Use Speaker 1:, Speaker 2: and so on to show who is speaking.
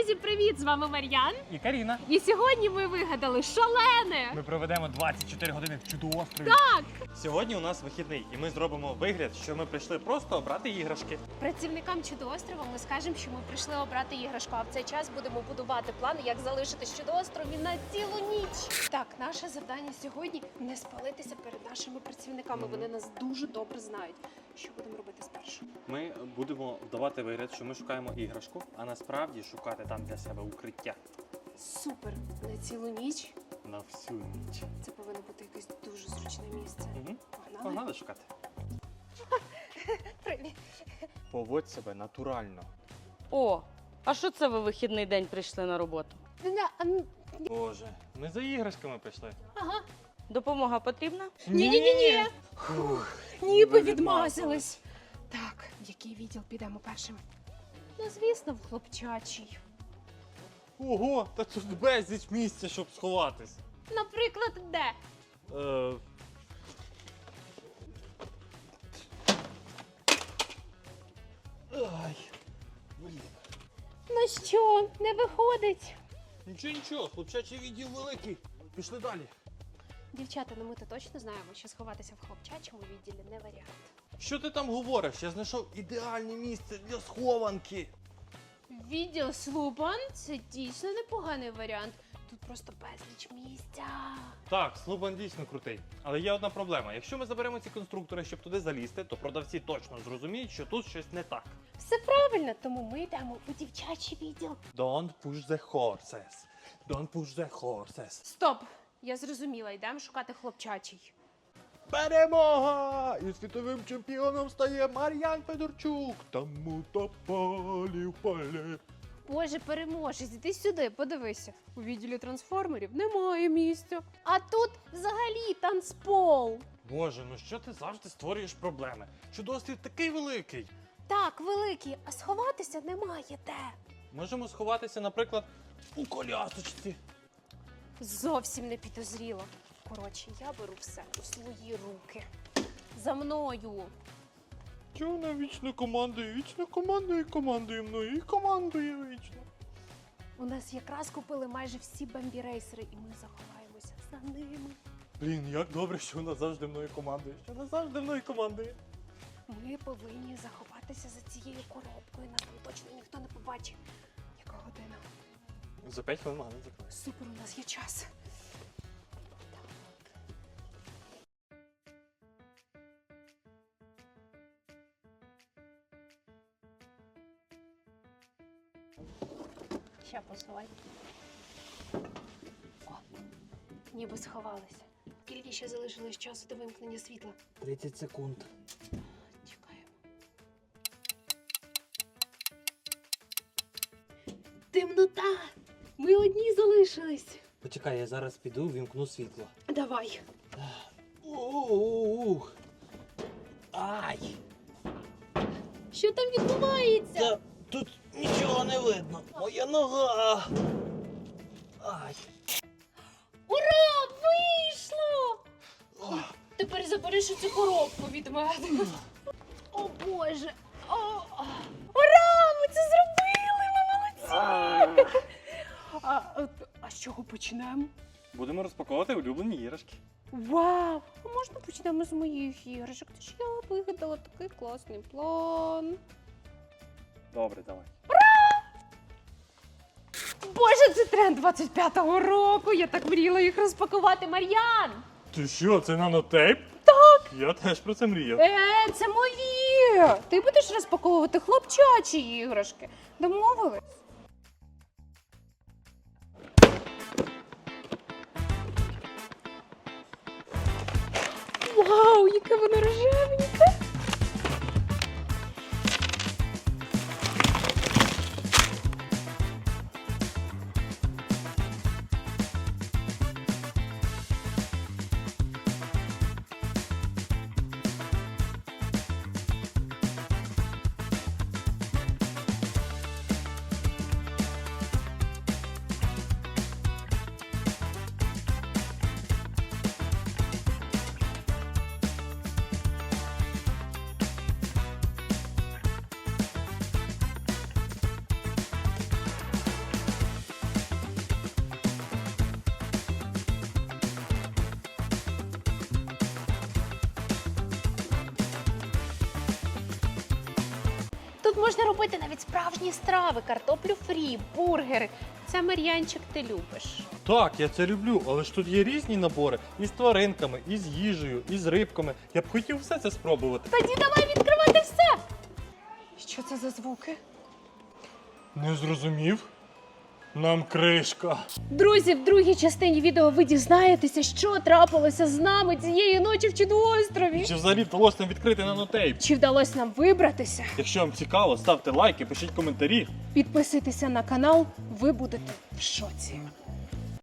Speaker 1: Друзі, привіт! З вами Мар'ян.
Speaker 2: І Каріна.
Speaker 1: І сьогодні ми вигадали шалене!
Speaker 2: Ми проведемо 24 години в чудо-острові.
Speaker 1: Так!
Speaker 2: Сьогодні у нас вихідний, і ми зробимо вигляд, що ми прийшли просто обрати іграшки.
Speaker 1: Працівникам чудо-острова ми скажемо, що ми прийшли обрати іграшку, а в цей час будемо будувати плани, як залишити чудо-острові на цілу ніч. Так, наше завдання сьогодні не спалитися перед нашими працівниками. Вони нас дуже добре знають. Що будемо робити спершу?
Speaker 2: Ми будемо вдавати вигляд, що ми шукаємо іграшку, а насправді шукати там для себе укриття.
Speaker 1: Супер! На цілу ніч.
Speaker 2: На всю ніч.
Speaker 1: Це повинно бути якесь дуже зручне місце.
Speaker 2: Угу.
Speaker 1: Погнали?
Speaker 2: Погнали шукати.
Speaker 1: Привіт!
Speaker 2: Поводь себе натурально.
Speaker 3: О, а що це ви вихідний день прийшли на роботу?
Speaker 2: Боже, ми за іграшками прийшли.
Speaker 1: Ага.
Speaker 3: Допомога потрібна?
Speaker 1: Ні-ні-ні!
Speaker 2: Фух,
Speaker 1: Ніби відмазались. Так, в який відділ підемо першим? Ну, звісно, в хлопчачий.
Speaker 2: Ого, та тут безліч місця, щоб сховатись.
Speaker 1: Наприклад, де?
Speaker 2: Ай, блін.
Speaker 1: Ну що, не виходить?
Speaker 2: Нічого, хлопчачий відділ великий. Пішли далі.
Speaker 1: Дівчата, ну ми-то точно знаємо, що сховатися в хлопчачому відділі не варіант.
Speaker 2: Що ти там говориш? Я знайшов ідеальне місце для схованки.
Speaker 1: Відділ Слупан – це дійсно непоганий варіант. Тут просто безліч місця.
Speaker 2: Так, Слубан дійсно крутий. Але є одна проблема. Якщо ми заберемо ці конструктори, щоб туди залізти, то продавці точно зрозуміють, що тут щось не так.
Speaker 1: Все правильно, тому ми йдемо у дівчачий відділ.
Speaker 2: Don't push the horses. Don't push the horses.
Speaker 1: Стоп! Я зрозуміла, йдемо шукати хлопчачий.
Speaker 2: Перемога! І світовим чемпіоном стає Мар'ян Федорчук. Тому то полі в полі.
Speaker 1: Боже, переможець, іди сюди, подивися. У відділі трансформерів немає місця. А тут взагалі танцпол.
Speaker 2: Боже, ну що ти завжди створюєш проблеми? Чудо-острів такий великий.
Speaker 1: Так, великий, а сховатися немає де.
Speaker 2: Можемо сховатися, наприклад, у колясочці.
Speaker 1: Зовсім не підозріло. Коротше, я беру все у свої руки. За мною.
Speaker 2: Чого вона вічно командує мною і командує вічно.
Speaker 1: У нас якраз купили майже всі бамбі-рейсери, і ми заховаємося за ними.
Speaker 2: Блін, як добре, що вона завжди мною командує.
Speaker 1: Ми повинні заховатися за цією коробкою. Нас там точно ніхто не побачить. Яка година?
Speaker 2: За 5 хвилин магазин закрили.
Speaker 1: Супер, у нас є час. Ще посувай. О, ніби сховалися. Скільки ще залишилось часу до вимкнення світла?
Speaker 2: 30 секунд.
Speaker 1: Чекаємо. Темнота! Ми одні залишились.
Speaker 4: Почекай, я зараз піду, вімкну світло.
Speaker 1: Давай.
Speaker 4: Ух. Ай!
Speaker 1: Що там відбувається?
Speaker 4: Та тут нічого не видно. Моя нога. Ай.
Speaker 1: Ура! Вийшло! Тепер забереш цю коробку від мене. О Боже! Ура! Ми це зробили! Ми молодці! А з чого почнемо?
Speaker 2: Будемо розпаковувати улюблені іграшки.
Speaker 1: Вау! А можна почнемо з моїх іграшок? Це ж я вигадала такий класний план.
Speaker 2: Добре, давай.
Speaker 1: Боже, це тренд 25-го року! Я так мріяла їх розпакувати, Мар'ян!
Speaker 2: Ти що, це нанотейп? Так! Я теж про це мріяв.
Speaker 1: Це мої! Ти будеш розпаковувати хлопчачі іграшки. Домовились? Вау, яке воно рожевеньке! Тут можна робити навіть справжні страви, картоплю фрі, бургери. Це, Мар'янчик, ти любиш.
Speaker 2: Так, я це люблю, але ж тут є різні набори і з тваринками, і з їжею, і з рибками. Я б хотів все це спробувати.
Speaker 1: Тоді давай відкривати все. Що це за звуки?
Speaker 2: Не зрозумів? Нам кришка.
Speaker 1: Друзі, в другій частині відео ви дізнаєтеся, що трапилося з нами цієї ночі в Чудоострові.
Speaker 2: Чи взагалі вдалося нам відкрити нанотейп?
Speaker 1: Чи вдалося нам вибратися?
Speaker 2: Якщо вам цікаво, ставте лайки, пишіть коментарі.
Speaker 1: Підписуйтеся на канал, ви будете в шоці.